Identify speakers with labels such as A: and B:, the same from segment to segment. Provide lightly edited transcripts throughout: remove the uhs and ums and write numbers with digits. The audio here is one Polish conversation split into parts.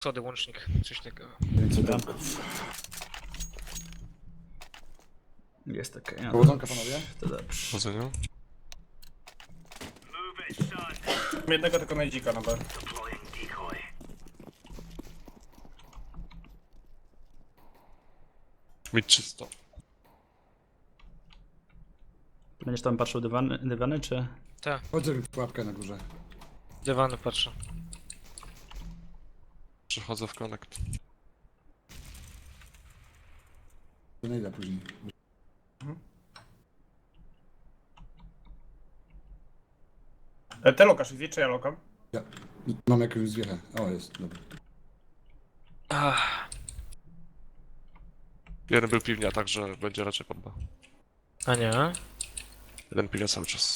A: Schody, łącznik, coś takiego.
B: Więcej damków.
C: Jest okej. No,
B: Powodzonka panowie.
C: to dobrze.
D: Chodzeniu.
E: Mam jednego tylko najdzika na B.
D: Mid czysto.
C: Będziesz tam patrzył dywany czy...
B: Chodzę w pułapkę na górze.
A: Dywany patrzę.
D: Przechodzę w connect.
B: Donejda później.
E: Ty lokasz, wie czy ja lokam?
B: Ja mam jakąś zwiechę. O, jest, dobra.
D: Jeden był piwnia, także będzie raczej pod B.
A: A nie?
D: Jeden piwnia cały czas.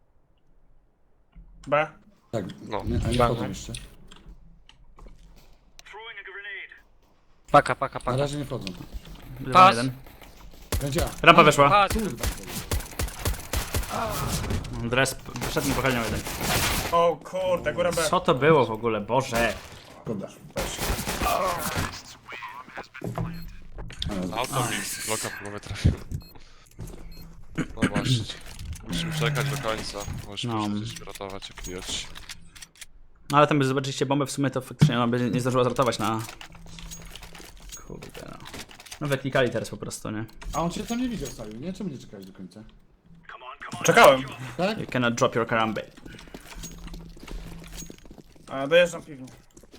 E: B.
B: Tak,
D: No.
B: nie, a nie
A: Bang.
B: wchodzą jeszcze.
A: Paka.
B: Na razie nie wchodzą.
C: Dywan
A: Pas.
C: jeden.
B: Będzie A.
C: Rampa weszła.
A: Patrz,
B: Kurwa.
C: Dres wszedł mi pochylniał jeden.
E: O kurde, góra B.
C: Co to było w ogóle? Boże.
B: Szkoda.
D: Auto mi bloka w głowę trafił. No właśnie. Musimy czekać do końca. Możesz
C: No.
D: gdzieś ratować jak idioci.
C: No ale tam by zobaczyliście bombę w sumie to faktycznie ona by nie zdążyła zrotować na... Kurde no. No wyklikali teraz po prostu, nie?
B: A on cię tam nie widział, Saju, nie? Czemu nie czekałeś do końca?
E: Czekałem.
B: Tak?
C: You cannot drop your karambit.
E: A, dojeżdżam piwnię.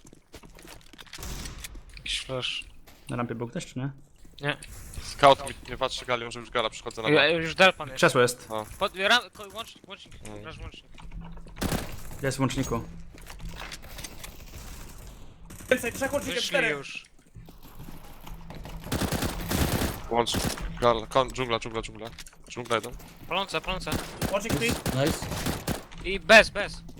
A: jakiś flash.
C: Na rampie był ktoś, czy nie?
A: Nie.
D: Scout mi nie patrzy galią, że już gala przychodzę na B.
A: Już delpan jest.
C: Krzesło jest.
A: Łącznik. Grasz łącznik.
C: Jest w łączniku.
E: Więcej, trzech łącznikiem,
A: Wyszli
E: czterech.
A: już.
D: Łącz. Gala. Dżungla. Dżungla jeden.
A: Palące.
E: Łącznik mid.
B: Nice.
A: I bez.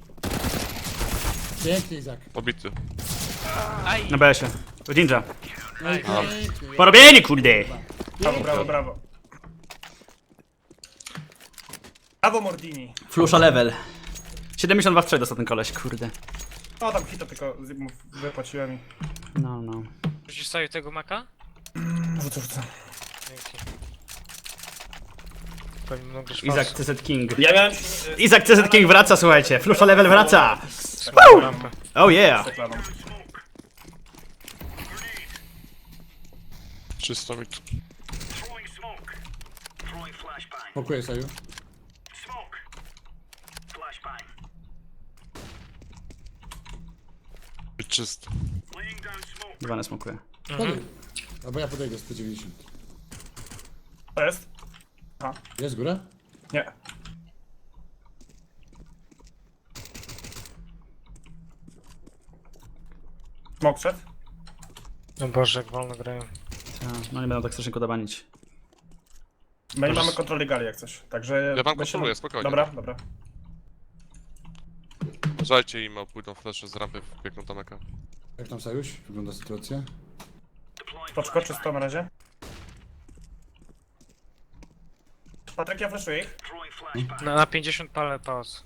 B: Pięknie, Izak.
D: Obity.
A: Aj.
C: Na BS-ie. Ninja.
B: No i pięknie.
C: Porobieni, kurde!
E: Brawo. Brawo Mordini.
C: Flusza level. 72 w 3 dostał ten koleś, kurde.
E: O, tam hita tylko wypłaciłem i...
C: No.
A: Rzucisz sobie tego maka?
E: Rzucę.
A: Dzięki. Pewnie mogę
C: Izak CZ King.
E: Ja miałem...
C: Izak CZ King wraca, słuchajcie. Flusza level wraca.
A: rampę.
C: Oh yeah.
E: Reklaną.
D: Czysto mid.
B: Pokój, Saju.
D: Mid czysto.
C: Dwa smokuje.
B: Podaj. Albo ja podejdę 190.
E: To jest?
B: Jest góra?
E: Nie. Smok szedł?
A: No Boże, jak wolno grają.
C: No nie będą tak strasznie kodabanić.
E: My nie mamy kontroli gali jak coś, także...
D: Ja wam
E: my się-
D: kontroluję, spokojnie.
E: Dobra.
D: Uważajcie im, pójdą flesze z rampy, biegną tam eka.
B: Jak tam, Sajuś? Wygląda sytuacja?
E: Poczko, czysto na razie. Patryk, ja flashuję ich.
A: Na 50 palę pauz.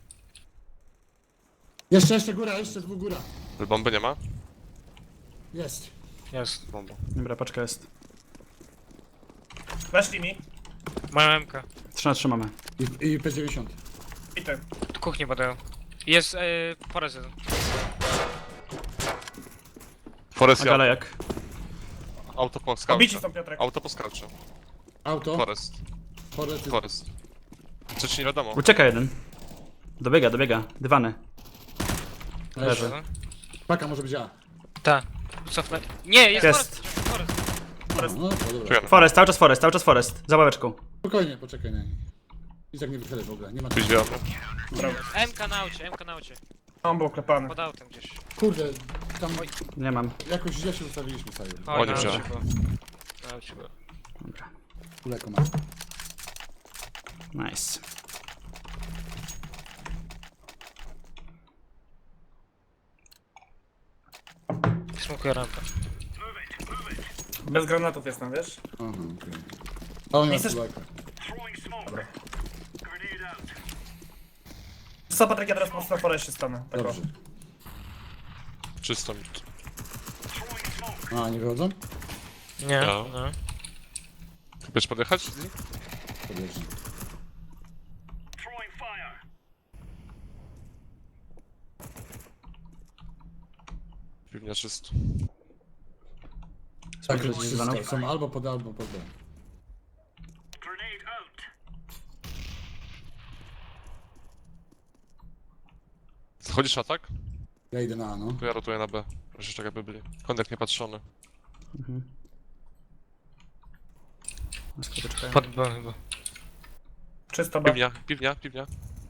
B: Jeszcze góra, jeszcze dwóch góra.
D: Bomby nie ma?
B: Jest.
A: Jest.
D: Bomba.
C: Dobra, paczka jest.
E: Weszli mi.
A: Moja MK.
C: 3 na 3 mamy.
B: I P90.
E: I ty.
A: Tu kuchnię badają. Jest porez jeden.
D: Forest
C: A
D: ja.
C: galejak.
D: Auto po
E: Obici
D: skaucie.
E: są, Piotrek.
D: Auto po skaucie.
B: Auto.
D: Forest.
B: Forest.
D: Forest. Co ci nie wiadomo?
C: Ucieka jeden. Dobiega. Dywany.
B: Leży.
A: No.
B: Paka może być A.
A: Ta. Cofnę. Nie, jest
C: Jest.
A: Forest.
B: No, dobra.
D: Czekaj,
C: Forest, cały czas Forest. Za ławeczką.
B: Spokojnie, poczekaj na niej. Izak nie wychylaj w ogóle, nie ma
D: Być wiadomo.
A: MK na aucie.
E: On był klepany.
A: Pod autem gdzieś.
B: Kurde, tam
C: Nie mam.
B: jakoś źle się ustawiliśmy, Saju.
D: O, nie
A: na
D: wziąłem.
A: aucie było. Na aucie było.
C: Dobra.
B: Kuleko ma.
C: Nice.
A: Smokuję rampę.
E: Bez granatów jestem, wiesz?
B: Aha, okej. A on nie ma
E: Chcesz-
B: kuleka.
E: Co, Patryk, ja teraz po prostu na foreście stanę. Tak o.
B: Dobrze.
D: Czysto mid.
B: A, nie wychodzą?
A: Nie,
D: No.
A: no.
D: Chcesz podjechać?
B: Podjeżdżam.
D: Piwnia czysto.
B: Tak,
C: Słyszę, że jest dzwonek.
B: są albo pod A, albo pod B.
D: Schodzisz na tak?
B: Ja idę na A, no.
D: To ja rotuję na B. Jeszcze tak jakby byli. Kondek niepatrzony.
C: Skuteczka.
A: Pod B chyba.
E: Czysto B.
D: Piwnia.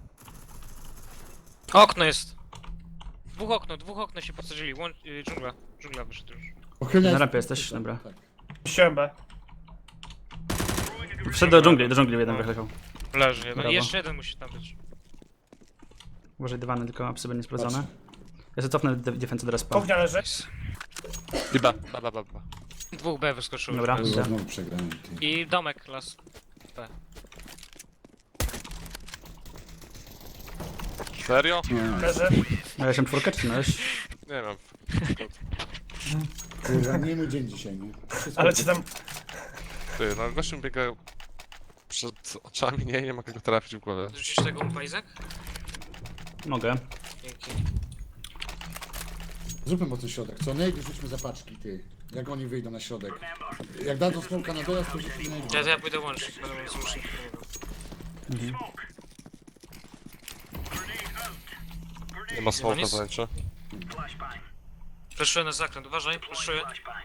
A: Okno jest. Dwóch okno się podsadzili. Dżungla wyszedł już.
B: Pochylnia
C: Na
B: jest-
C: rampie jesteś? Dobra.
B: Tak.
E: Puściłem B.
C: Wszedł do dżungli jeden wychlechał.
A: Leży jeden.
C: Brawo.
A: I jeszcze jeden musi tam być.
C: Uważaj dywany, tylko apsy będzie sprawdzone.
B: Patrzę.
C: Ja sobie cofnę defensę do respa.
E: Kuchnia leży.
D: I B.
A: Dwóch B wyskoczyło.
C: Dobra.
A: już.
B: Kurwa, znowu przegrałem. Ty.
A: I domek las. B.
D: Serio?
B: Nie,
E: Leży.
C: Miałeś M4 czy miałeś?
D: Nie wiem.
B: kurwa, nie mój dzień dzisiaj, nie? Wszystko
E: Ale cię tam...
D: Ty, no gościu mi biega przed oczami, nie mogę go trafić w głowę.
A: Rzucisz tego umpa, Izak?
C: Mogę.
A: Dzięki.
B: Zróbmy mocny środek. Co nejdy rzućmy zapaczki, ty. Jak oni wyjdą na środek. Jak dadzą smoka na dojazd, to rzućmy nejdy.
A: Ja pójdę łączyć, będę miał zmusznik.
D: Nie ma smoka
A: nic?
D: zajęcia.
A: Fleszuję na zakręt, uważaj, fleszuję.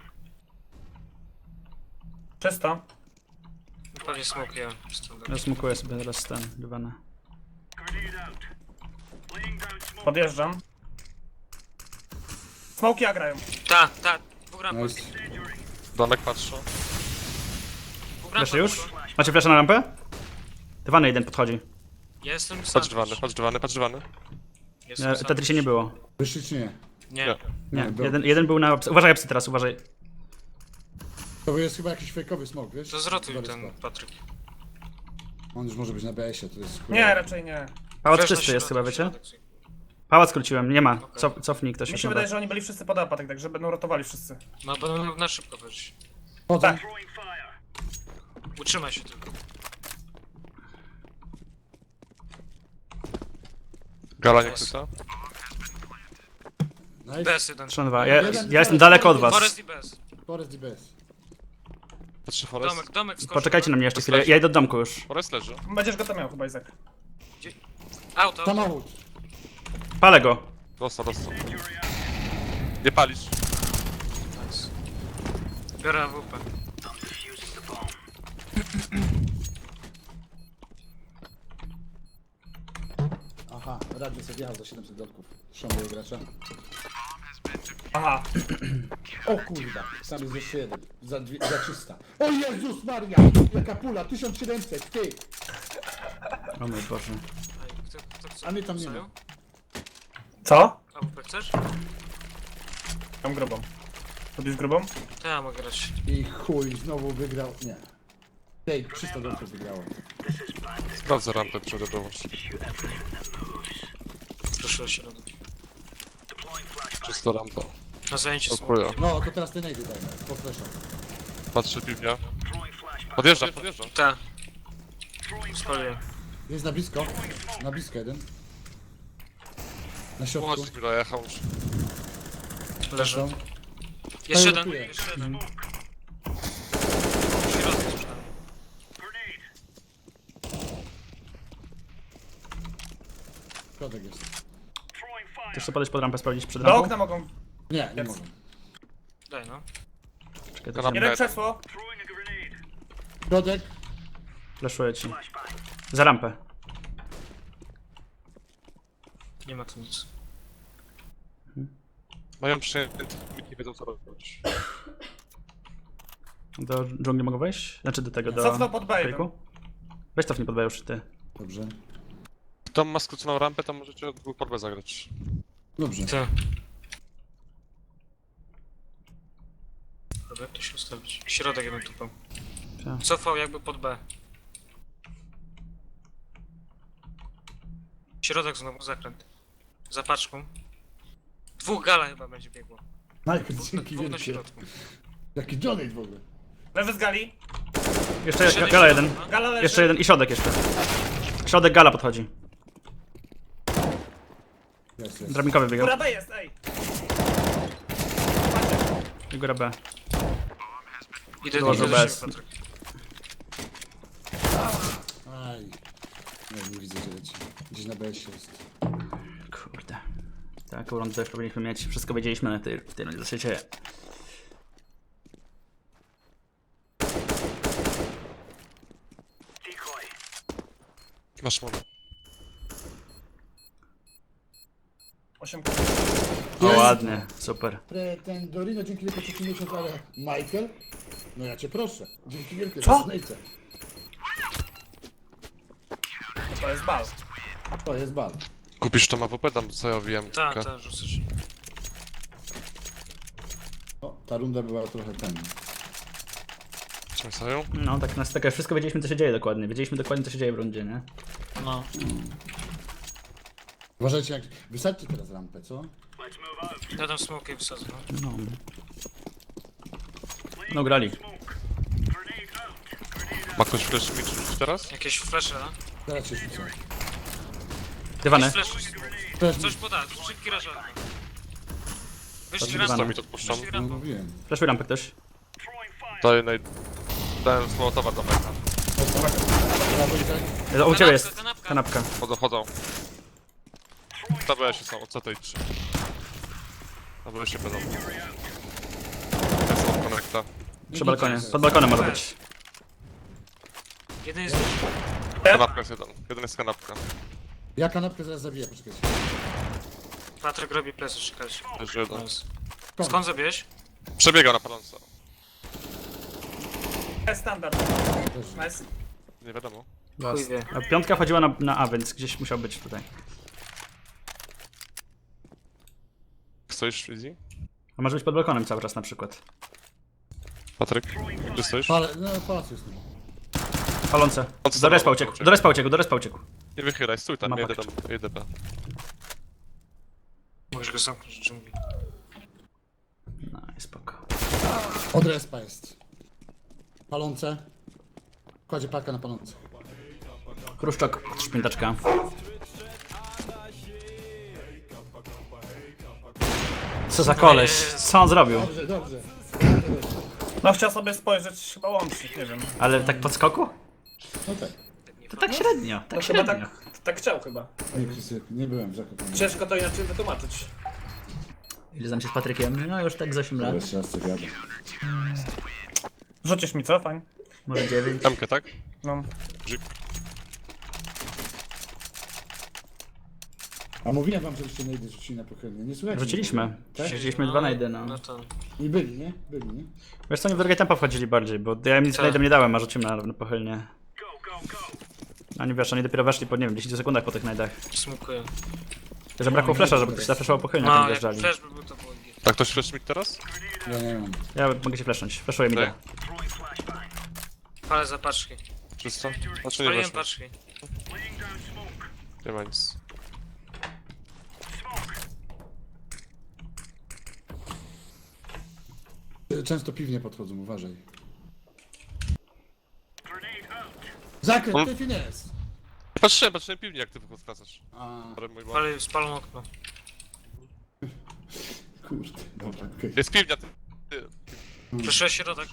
E: Czysto.
A: Pewnie smoke ja.
C: Ja smukuję sobie teraz ten dywany.
E: Podjeżdżam. Smoki grają.
A: Ta, dwóch ramp.
B: Nice.
D: Domek patrzą.
C: Flesze już? Macie flesze na rampę? Dywany jeden podchodzi.
A: Ja jestem sam.
D: Patrz dywany.
A: Jestem sam.
C: Tetris nie było.
B: Wyszli czy nie?
A: Nie.
C: Nie,
B: był.
C: jeden był na... Uważaj apsy teraz, uważaj.
B: To jest chyba jakiś fejkowy smok, wiesz?
A: To zrotuj
B: Dobry
A: ten
B: smok.
A: Patryk.
B: On już może być na BS-ie, to jest... kurwa-
E: Nie, raczej nie.
C: Pałac
A: Flash na
C: czysty jest chyba,
A: środek,
C: wiecie?
A: środek.
C: Pałac skróciłem, nie ma. Cofnij ktoś
E: Mi
C: już
E: się
C: na
E: wydaje,
C: B.
E: że oni byli wszyscy pod apatek, także będą rotowali wszyscy.
A: No będą na szybko wejść.
B: Potem.
E: Tak.
A: Utrzymaj się tylko.
D: Gala nie chwyta.
B: Nice.
A: BS jeden.
C: 3-2. Ja jestem daleko od was.
A: Forest i BS.
B: Forest i BS.
D: Patrzy Forest.
A: Domek skoczył.
C: Poczekajcie na mnie jeszcze chwilę, ja idę do domku już.
D: Forest leży.
E: Będziesz go tam miał chyba, Izak.
A: Auto.
B: Samochód.
C: Palę go.
D: Dostał. Nie palisz.
A: Nice. Biorę AWP.
B: Aha, radio sobie wjechał za 700 dolków. Szanuję gracza.
E: Aha.
B: O kurwa, tam jest jeszcze jeden. Za 300. O Jezus Maria! Jaka pula, 1700, ty!
C: O mój Boże.
A: Kto chce?
B: A mnie tam nie ma.
E: Co?
A: AWP chcesz?
E: Mam grubą. Robisz grubą?
A: To ja mogę grać.
B: I chuj, znowu wygrał. Nie. Tej, 300 dolków wygrało.
D: Sprawdzę rampę, przejdę dołącz.
A: Proszę się robić.
D: Czysto rampa.
A: Na zajęcie smoke.
D: Dziękuję.
B: No, to teraz ty nejdy daj, po flesza.
D: Patrzy piwnia. Podjeżdża.
A: Ta. Spaliłem.
B: Jest na blisko jeden. Na środku.
D: Chodź, chwilę, jechał już.
A: Leży.
B: Są.
A: Jeszcze
B: To
A: jeden,
B: rotuje.
A: jeszcze jeden. Środek coś tam.
B: Środek jest.
C: Chcesz sobie podejść pod rampę, sprawdzić przed
E: Do
C: rampą?
E: okna mogą.
B: Nie, nie
E: Jest.
B: mogę.
A: Daj no.
C: Czekaj,
D: To
C: to
D: na
E: Jeden
D: B.
E: krzesło.
B: Środek.
C: flashuję ci. Za rampę.
A: Nie ma tu nic.
D: Mają przyjęty, nie wiedzą co robić.
C: Do dżungli mogę wejść? Znaczy do tego, do...
E: Cofnął pod B jeden.
C: fejku? Weź cofnij pod B już ty.
B: Dobrze.
D: Kto ma skróconą rampę, tam możecie dwóch porbę zagrać.
B: Dobrze.
A: Ty. Dobra, jak to się ustawić? Środek jeden tupał.
C: Tak.
A: Cofał jakby pod B. Środek znowu zakręt. Za paczką. Dwóch gala chyba będzie biegło.
B: Michael, dzięki
A: Dwóch na
B: wielkie.
A: środku.
B: Jaki donate w ogóle.
E: Lewy z gali.
C: Jeszcze gala jeden.
E: Gala leży.
C: Jeszcze jeden i środek jeszcze. Środek gala podchodzi.
B: Jest.
C: Drabinkowy biegał.
E: Góra B jest, ej.
C: I góra B.
A: Idę
C: Dołożył
A: do
C: bez.
A: siebie, Patryk.
B: Aj. Nie widzę, że leci. Gdzieś na BS jest.
C: Kurde. Taką rundę też powinniśmy mieć. Wszystko wiedzieliśmy na w tej rundzie, co się dzieje.
D: Masz mono.
E: 8.
C: O, ładnie. Super.
B: Ten Dorino, dzięki wielkie trzeci miesiąc, ale Michael? No ja cię proszę. Dzięki wielkie.
E: Co?
B: Donate'e.
E: To jest bal.
B: To jest bal.
D: Kupisz to AWP, tam co ja wiem.
A: Tak, tak, rzucasz.
B: O, ta runda była trochę ten.
D: Co sają?
C: No tak, tak wszystko wiedzieliśmy, co się dzieje dokładnie. Wiedzieliśmy dokładnie, co się dzieje w rundzie, nie?
A: No.
B: Uważajcie, jak... Wysadźcie teraz rampę, co?
A: Ja tam smoke i wsadzę. No.
C: No. No grali.
D: Ma ktoś flash mi rzucić teraz?
A: Jakieś flesze, no?
B: Zaraz się rzucę.
C: Dywany.
A: Flash.
B: Też
A: Coś poda, szybki rażar. Wyszli
C: Patrz,
A: raz,
C: dywan.
D: To mi to odpuszczam.
A: wyszli
B: no,
A: rampą.
B: mówiłem.
C: Flashuj rampę ktoś.
D: Daję dałem z Mołotowa do meka.
C: U ciebie jest.
A: Kanapka.
C: Kanapka.
D: Chodzą. TBS są, od co tej 3. TBS się będą. Ja są od connecta.
C: Przy balkonie. Pod balkonem może być.
A: Jeden jest...
D: Kanapka jest jeden jest kanapka.
B: Ja kanapkę zaraz zabiję, poczekajcie.
A: Patryk robi plecy, czekać.
D: Leży jeden.
A: Nice. Skąd zabiłeś?
D: Przebiega na paląco.
E: Jest standard. Nice.
D: Nie wiadomo.
A: Chuj wie.
C: A piątka chodziła na A, więc gdzieś musiał być tutaj.
D: Stoisz, Easy?
C: A może być pod balkonem cały czas na przykład.
D: Patryk? Gdzie stoisz?
B: No, pałac jest.
C: Palące.
D: On co
C: Do respa
D: tam
C: uciekł.
D: uciekł?
C: Do respa uciekł.
D: Nie wychylaj, stój tam,
C: Ma
D: jedę
C: pakiet.
D: tam, jedę B.
A: Możesz go zamknąć w dżungli.
C: No i spoko.
B: Od respa jest. Palące. Kładzie parka na palące.
C: Chruszczok, szpintaczka. Co za koleś? Co on zrobił?
B: Dobrze, dobrze.
E: No chciał sobie spojrzeć chyba łącznik, nie wiem.
C: Ale tak pod skoku?
B: No tak.
C: To tak średnio,
E: No
C: tak
E: chyba
C: średnio.
E: tak chciał chyba.
B: Nie, Krzysiek, nie byłem w Zakopane.
E: Ciężko to inaczej wytłumaczyć.
C: Ile znam się z Patrykiem? No już tak z 8 lat.
B: Jeszcze raz co wiadomo.
E: Rzucisz mi co? Fajnie.
C: Może 9.
D: Tamkę, tak?
E: No.
D: Jeep.
B: A mówiłem wam, żebyście najdy rzucili na pochylnie. Nie słuchajcie.
C: Rzuciliśmy.
B: Tak?
C: Rzuciliśmy 2 na 1, no.
A: No to...
B: I byli, nie? Byli, nie?
C: Wiesz co, oni w drugie tempo wchodzili bardziej, bo ja im nic
A: Tak.
C: nie dałem, a rzuciłem na pochylnie. Oni wiesz, oni dopiero weszli po, nie wiem, 10 sekundach po tych najdach.
A: Smukuję.
C: Że brakło flasha, żeby ktoś zaflaszował pochylnie, jak
A: No, jak
C: wjeżdżali.
A: flash by był, to było git.
D: Tak, ktoś flash mi teraz?
B: Ja nie mam.
C: Ja mogę się flashnąć. Flashuję mi
D: Daj.
C: da.
A: Palę za paczki.
D: Czysto? Znaczy nie
A: Spaliłem
D: weszło.
A: paczki.
D: Nie ma nic.
B: Często piwnie podchodzą, uważaj. Zakręt,
D: On-
B: ty finesse!
D: Patrzyłem piwnie jak ty wracasz.
B: A,
D: Ale mój błąd.
A: Spalą okno.
B: kurde, dobra, okej.
D: Jest piwnia, ty.
A: Proszę środek.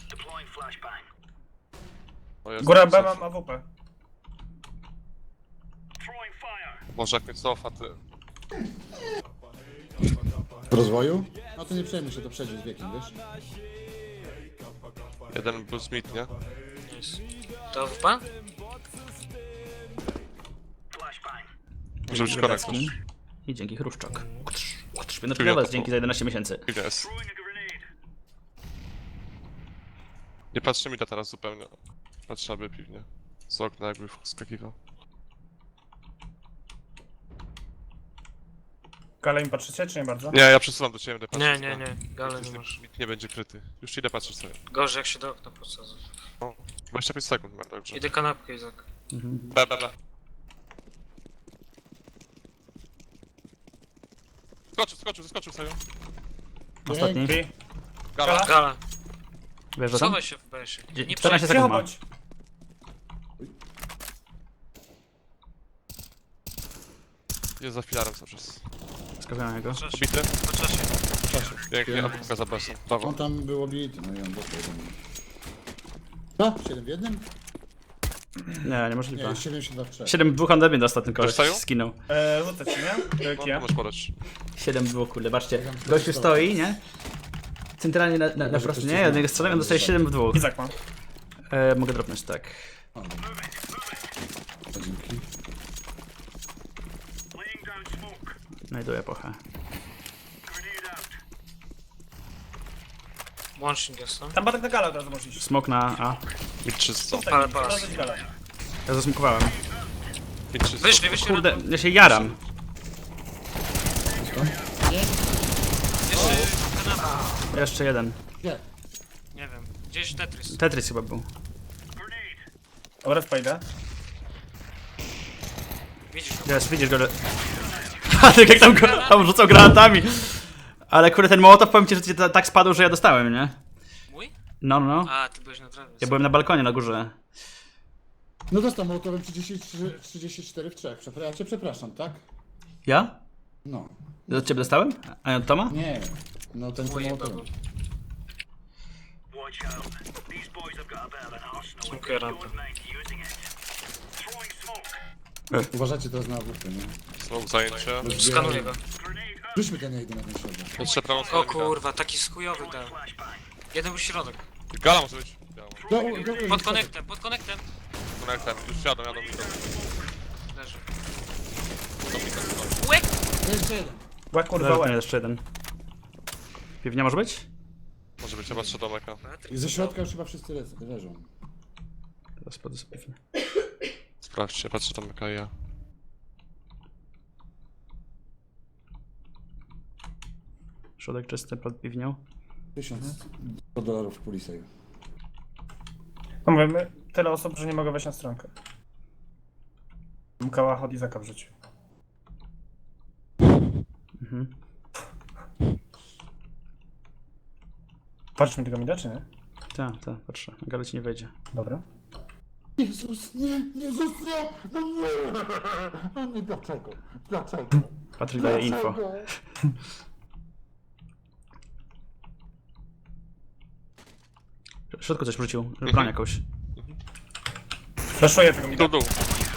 D: O Jezu,
E: Góra B
D: cofa.
E: mam AWP.
D: Boże, jak mnie cofa, ty.
B: W rozwoju? No to nie przejmuj się, to przejdzie z wiekiem, wiesz?
D: Jeden był Smith, nie?
A: Nice. To WP?
D: Może być konek też.
C: I dzięki Chruszczok. Szpineczka dla was, dzięki za 11 miesięcy.
D: Piwnia jest. Nie patrzy mi to teraz zupełnie. Patrzę, aby piwnie. Z okna jakby wskakiwał.
E: Gale mi patrzycie, czy nie bardzo?
D: Nie, ja przesuwam do ciebie, będę
A: Nie,
D: patrzeć.
A: nie, nie. Gale nie masz.
D: Nikt nie będzie kryty. Już idę patrzeć sobie.
A: Gorzej jak się do okna podsadzę.
D: No, 25 sekund mam, także.
A: Idę kanapkę, Izak.
D: B. Skoczył sobie.
C: Ostatni.
E: Drzwi.
D: Gala.
A: Gala.
C: Wiesz, że tam?
A: Schowaj się w BS-ie. Nie
C: 14
A: przejdzie.
C: sekund
E: Cicho
C: ma.
E: bądź.
D: Jest za filarem cały czas.
C: Skawiam jego.
D: Bity.
A: Po czasie.
D: Pięknie, apka za besem. Brawo.
B: On tam był obity, no i on dostał jeden. Co? 7 w jednym?
C: Nie, niemożliwe.
B: Nie, 72 w 3.
C: 7 dwóch ode mnie dostał ten koleś,
D: Zostają?
C: skinął.
E: Rzucę ci, nie?
D: No,
E: Kia.
D: to możesz podać.
C: 7 było, kurde, baczcie. Gościu stoi, nie? Centralnie na prostu, nie? Ja od niego strzelam, on dostaje 7 w dwóch.
E: Izak ma.
C: Mogę dropnąć, tak.
B: Dzięki.
C: Znajduję pochę.
A: Łącznik jest, no.
E: Tam batek na galę od razu możesz iść.
C: Smok na A.
D: Mid 300.
A: Ale pas.
E: Zaraz galę.
C: Ja zasmokowałem.
D: Mid 300.
A: Wyszli.
C: Kurde, ja się jaram.
A: Jeszcze kanapa.
C: Jeszcze jeden.
B: Nie.
A: Nie wiem. Gdzieś Tetris.
C: Tetris chyba był.
E: Dobra, wejdę.
A: Widzisz go.
C: Jest, widzisz go, ale... Ha, tak jak tam rzucał granatami. Ale kurde, ten mołotow, powiem ci, że ci tak spadł, że ja dostałem, nie?
A: Mój?
C: No.
A: A, ty byłeś na trawie.
C: Ja byłem na balkonie na górze.
B: No dostał mołotowem 34 w 3. Ja cię przepraszam, tak?
C: Ja?
B: No.
C: Od ciebie dostałem? A od Toma?
B: Nie. No ten co
A: Mój
B: mołotowem.
A: chyba. Dziękuję, rampę.
B: Uważajcie teraz na AWP, nie?
D: Smoke zajęcie.
A: Skanuję go.
B: Rzućmy ten jeden na ten środek.
D: Jeszcze prawą
A: O
D: stronę.
A: kurwa, taki skujowy dał. Jeden był środek.
D: Gala może być. Biała.
A: Pod konektem.
D: Konektem. Już jadą mi to.
A: Leży.
B: Jeszcze jeden.
E: Łek kurwa
C: Leży,
E: łek.
C: jeszcze jeden. Piwnia może być?
D: Może być, chyba 3 domeka.
B: I ze środka już chyba wszyscy leżą.
C: Teraz podę sobie piwnię.
D: Sprawdźcie, patrzę domeka i ja.
C: Środek czysty pod piwnią.
B: $1000 w puli save.
E: No mówimy, tyle osób, że nie mogę wejść na stronkę. Mkała od Izaka w życiu.
C: Mhm.
E: Patrz mi tego mi da, czy nie?
C: Tak, patrzę. Gala ci nie wejdzie.
E: Dobra.
B: Jezus, nie! Jezus, nie! No nie! No nie, dlaczego? Dlaczego?
C: Patryk daje info. W środku coś wrzucił. Broń jakąś.
E: Flashuję tego mi da.
D: Dół.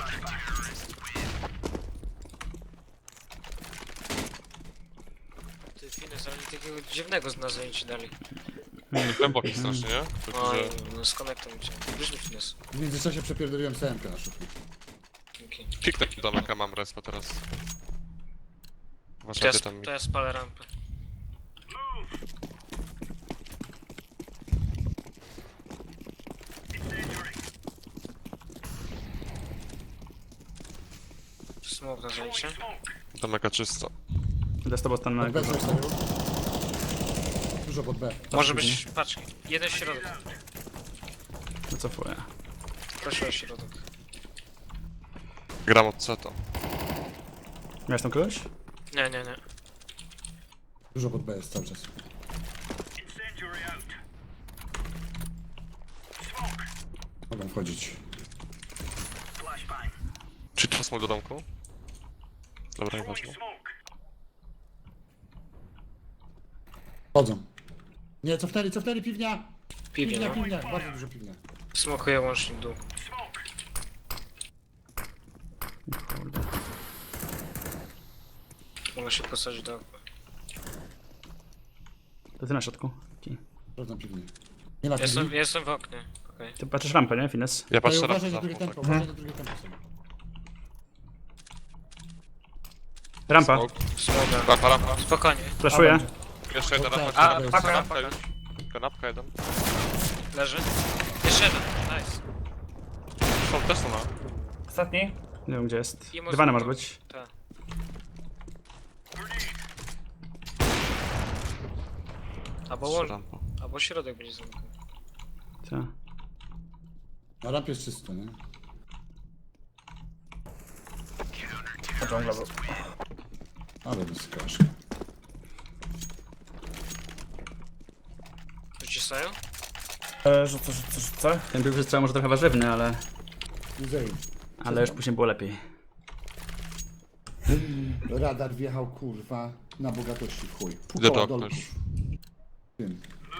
A: Ty Fines, ale takiego dziwnego z nas zajęci dali.
D: Głęboki strasznie, nie? Tylko,
A: Oj,
D: że...
A: no z konektem chciałem. Wróćmy Fines.
B: W międzyczasie przepierdoliłem CM-kę na szufli.
A: Dzięki.
D: Pik taki domeka mam respa teraz.
A: To
D: Uważajcie tam.
A: to ja spalę rampę. Smok na zajęcie.
D: Domeka czysto.
C: Idę z tobą stan na
B: Pod B
C: górze.
B: zostawił. Dużo pod B.
A: Może być, patrz, jeden środek.
C: Wycofuję.
A: Proszę o środek.
D: Gram od CETA.
C: Miałeś tam kogoś?
A: Nie.
B: Dużo pod B jest cały czas. Mogę wchodzić.
D: Czy to smok do domku? Dobra, nieważne.
B: Chodzą. Nie, cofnęli, piwnia!
A: Piwnie, no.
B: Piwnia, bardzo dużo piwnia.
A: Smokuję łącznik dół.
C: Kurde.
A: Mogę się posadzić do okna.
C: To ty na środku. Taki.
B: Sprawdzam piwnię. Nie ma piwni.
A: Jestem w oknie. Okej.
C: Ty patrzysz rampę, nie? Fines?
D: Ja
B: Ale
D: patrzę raz
B: uważaj na
D: za
B: drugie
D: tak.
B: tempo, uważaj na drugie tempo sobie.
C: Rampa.
D: Smoke.
A: Smoga.
D: Rampa.
A: Spokojnie.
C: Flashuję.
D: Jeszcze jeden rampa.
B: A,
D: Kanapka
A: paka.
D: już. Kanapka jeden.
A: Leży. Jeszcze jeden. Nice.
D: Są też są na.
E: Ostatni.
C: Nie wiem gdzie jest.
A: I może-
C: Dywana może być.
A: Tak. Albo
D: Jeszcze
A: łącz,
D: rampa.
A: albo środek będzie zamknięty.
C: Tak.
B: Na rampie jest czysto, nie?
E: To dżungla był.
B: Ale bez kaszki.
A: Wcisają?
E: Rzucę.
C: Ten pierwszy strzał może trochę warzywny, ale
B: Muzeum.
C: już później było lepiej.
B: Radar wjechał, kurwa, na bogatości w chuj.
D: Idę
B: Półkoła
D: do okna
B: dolków.
D: już.
B: Tym.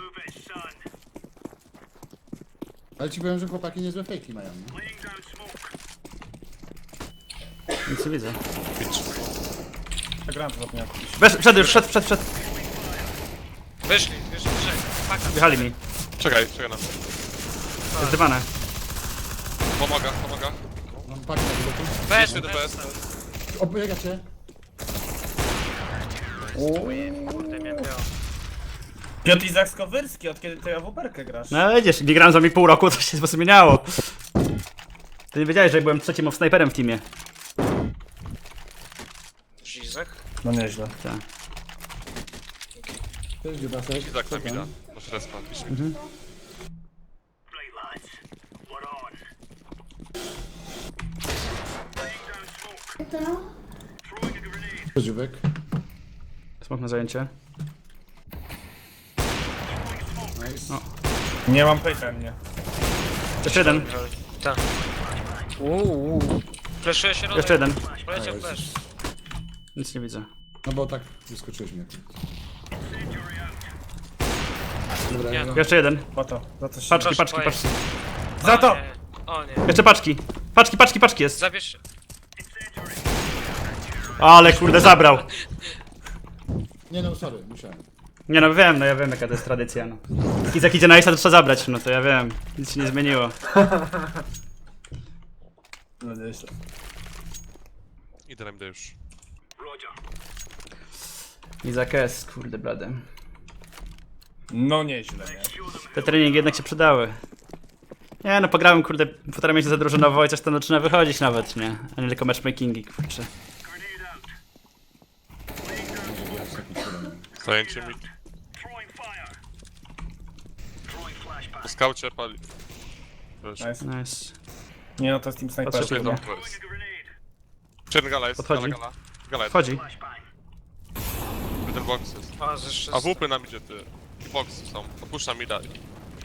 B: Ale ci powiem, że chłopaki niezłe fejki mają, nie?
C: Nic nie widzę.
E: Grałem to zapomniałem kupić.
C: Wszedł już, wszedł.
A: Wyszli, trzech. Paka.
C: Wjechali mi.
D: Czekaj na.
C: Jest dywane.
D: Pomaga.
B: Mam pakę na biletu.
A: Weź,
D: Jeszcze DPS.
B: Obiega cię.
A: Kurde, mnie miało.
E: Piotr Izak Skowyrski, od kiedy ty AWP-kę grasz?
C: No widzisz, nie grałem z wami pół roku, to się zmieniało. Ty nie wiedziałeś, że byłem trzecim snajperem w teamie.
A: Izak?
E: No nieźle.
C: Tak.
B: Cześć, Dziubasek.
D: Izak na mida. Masz respa, pisz mi.
B: Cześć, Dziubek.
C: Smok na zajęcie.
B: Nice.
E: Nie mam pejta mnie.
C: Jeszcze jeden.
A: Tak. Fleszuje się
C: Jeszcze jeden.
A: Poleciał flash.
C: Nic nie widzę.
B: No bo tak wyskoczyłeś mnie. Dobra,
A: Nie,
B: no.
C: Jeszcze jeden.
E: Po to. Za to się...
C: Paczki.
E: Za to!
A: O nie.
C: Jeszcze paczki. Paczki jest.
A: Zabierz.
C: Ale kurde, zabrał.
B: Nie no, sorry, musiałem.
C: Nie no wiem, ja wiem jaka to jest tradycja, no. Izak idzie na Ace'a, to trzeba zabrać, no to ja wiem. Nic się nie zmieniło.
E: No nieźle.
D: Idę na mida już.
C: Izak S, kurde blady.
E: No nieźle, nie?
C: Te treningi jednak się przydały. Nie no, pograłem kurde 1,5 miesiąca drużynowo i coś tam zaczyna wychodzić nawet, nie? A nie tylko matchmakingi, kurczę.
D: Zajęcie mi. Po skaucie pali. Proszę.
E: Nice.
C: Nice.
E: Nie no, to jest team sniper.
C: Patrzę,
D: Jedną to jest. Czerny gala jest.
C: Podchodzi.
D: Gala jest.
C: Wchodzi.
D: Jeden box jest.
A: A, zeszły.
D: A WP nam idzie ty. I boxy są. Opuszczam mi dalej.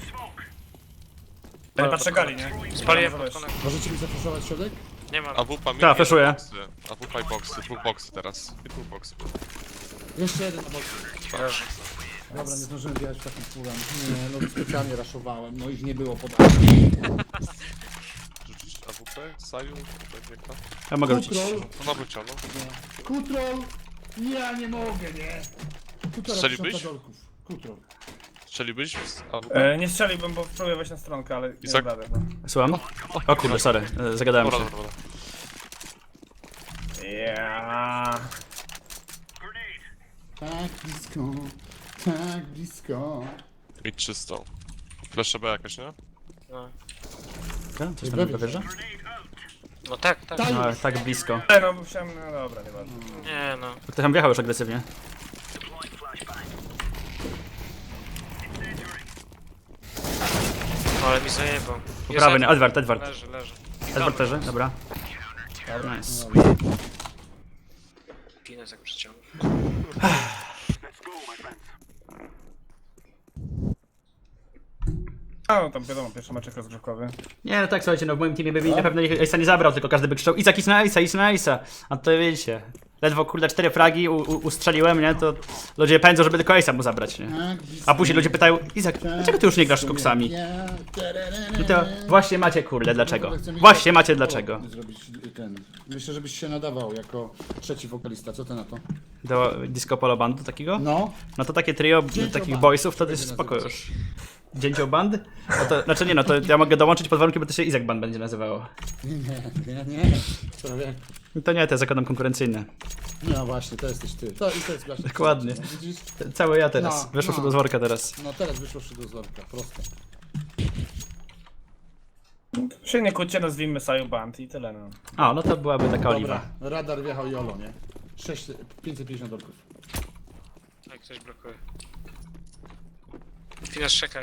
E: Ja nie patrzę gali, nie?
A: Spaliłem
E: Dobra,
A: pod konek.
B: Możecie mi zafuszować środek?
A: Nie mam.
D: A WP mi
C: Tak, flashuję.
D: A WP i boxy. Dwóch boxy teraz. I dwóch boxy.
B: Jeszcze jeden na boku. Dobra, nie zdążyłem wjechać w takim pulem. Nie, no specjalnie raszowałem, no ich nie było podane.
D: Rzucić AWP? Saju? Pewnie.
C: Ja mogę rzucić.
B: Kutrol,
D: To na wyciągnął.
B: kutrol! Ja nie mogę, nie! Półtora
D: Strzeliłbyś?
B: tysiąca dolków. Kutrol.
D: Strzeliłbyś z AWP?
E: Nie strzeliłbym, bo próbuję wejść na stronkę, ale nie
D: Izak?
E: radę, no.
C: Słucham? O kurde, sorry, zagadałem
D: Dobra,
C: się.
D: dobra.
E: Ja.
B: Tak blisko.
D: Mid 300. Flash B jakaś, nie?
A: No,
C: Coś tam wierzę?
A: no tak.
C: No, tak blisko.
E: No musiałem, no dobra, nieważne.
A: Nie no.
C: Ktoś tam wjechał już agresywnie.
A: Ale mi zajebał.
C: Po prawej, nie, Edward.
A: Leży.
C: Edward leży, dobra. Nice.
A: Pines jak przyciągnął.
E: A, no tam wiadomo, pierwszy meczek rozgrzewkowy.
C: Nie, no tak, słuchajcie, no w moim teamie by na pewno Ace'a nie zabrał, tylko każdy by krzyczał Izak, idź na Ace'a. A to wiecie, ledwo kurde 4 fragi ustrzeliłem, nie, to ludzie pędzą, żeby tylko Ace'a mu zabrać, nie.
B: Tak blisko.
C: A później ludzie pytają, Izak, dlaczego ty już nie grasz z koksami? I to właśnie macie kurde, dlaczego? Właśnie macie dlaczego.
B: Zrobić ten. Myślę, żebyś się nadawał jako trzeci wokalista. Co ty na to?
C: Do disco polo bandu takiego?
B: No.
C: No to takie trio
B: Dzięcioł
C: takich
B: band.
C: boysów to
B: To
C: jest
B: będzie
C: spoko
B: nazywać.
C: już. Dzięcioł band? No to, znaczy nie no, to ja mogę dołączyć pod warunkiem, bo to się Izak band będzie nazywało.
B: Nie. Prawie.
C: I to nie, to jest zakładam konkurencyjne.
B: No właśnie, to jesteś ty. To jest właśnie.
C: Dokładnie.
B: No, widzisz?
C: Cały ja teraz.
B: No,
C: Wyszło
B: no.
C: do zworka teraz.
B: No teraz wyszło do zorka, proste.
E: Się nie kłóćcie, nazwijmy Saju Band i tyle, no.
C: A, no to byłaby taka oliwa.
B: Dobra, radar wjechał Jolo, nie? 550 dolków.
A: Jak ktoś blokuje. Pines, czekaj.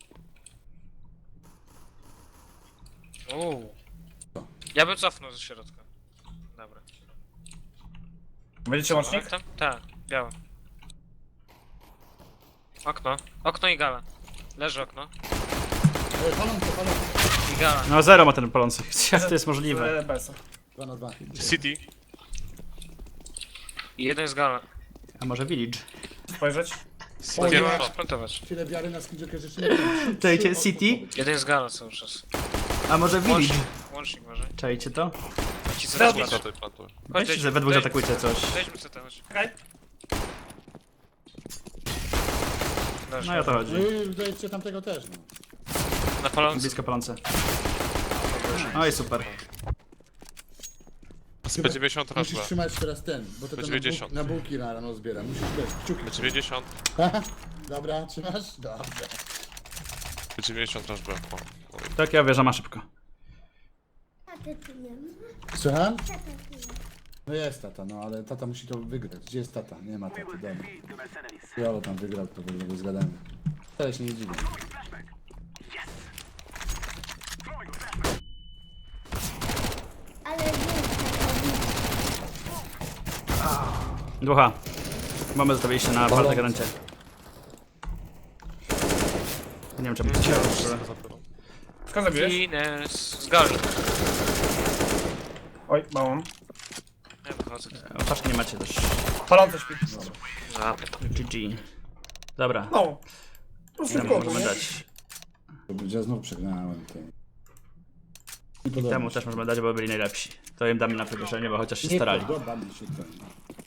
A: Uuu. Ja bym cofnął ze środka. Dobra.
E: Będziecie łącznik?
A: Tak, białe. Okno i gala. Leży okno.
B: Palące, palące.
A: I gala.
C: No zero ma ten palący. Jak to jest możliwe?
E: BS.
B: 2 na 2.
D: City.
A: I jeden jest gala.
C: A może village?
E: Spojrzeć?
B: O
A: Gdzie
B: nie.
A: mam splantować?
B: Tyle wiary na skilljoker, że się nie wiem.
C: Czajcie City?
A: Jeden jest gala cały czas.
C: A może village?
A: Łącznik, łącznik może.
C: Czajcie to?
A: Ci co
E: Zrobić.
A: weźmy.
D: Plantuj.
C: Weźcie, że we dwóch zaatakujcie coś.
A: Weźmy CT, chodź.
E: Okej.
A: Leży.
C: No i o to chodzi.
B: No i dajcie tamtego też, no.
A: Na palący.
C: Blisko palące. Oj, super.
D: Z P90 raz
B: Musisz
D: B.
B: trzymać teraz ten, bo to ten
D: 90.
B: na bułki na rano zbiera. Musisz też kciuki.
D: P90.
B: Dobra, trzymasz? Dobra.
D: P90 raz B. O.
C: Tak, ja wierzę, ma szybko.
F: Taty tu nie ma.
B: Słucham?
F: Tata tu nie ma.
B: No jest tata, no ale tata musi to wygrać. Gdzie jest tata? Nie ma taty, dobra. Jolo tam wygrał, to w ogóle zgadamy. Ale się nie dziwię.
F: Ale nie
C: Ducha. Mamy zostawiliście na palce garancie. Nie wiem czemu.
E: Skąd zabiłeś?
A: Ines z gali.
E: Oj, małą.
A: Ja wychodzę.
C: Opaczki nie macie też.
E: Palące śpi.
A: Zapytam.
C: GG. Dobra.
E: No. Po prostu w
C: Temu
E: kółko,
C: możemy
E: nie?
C: dać.
B: Ja znów przegrałem. Nie podoba
C: Temu
B: mi się.
C: też możemy dać, bo byli najlepsi. To im damy na przyspieszenie, bo chociaż się
B: Nie
C: starali.
B: podoba mi się ten.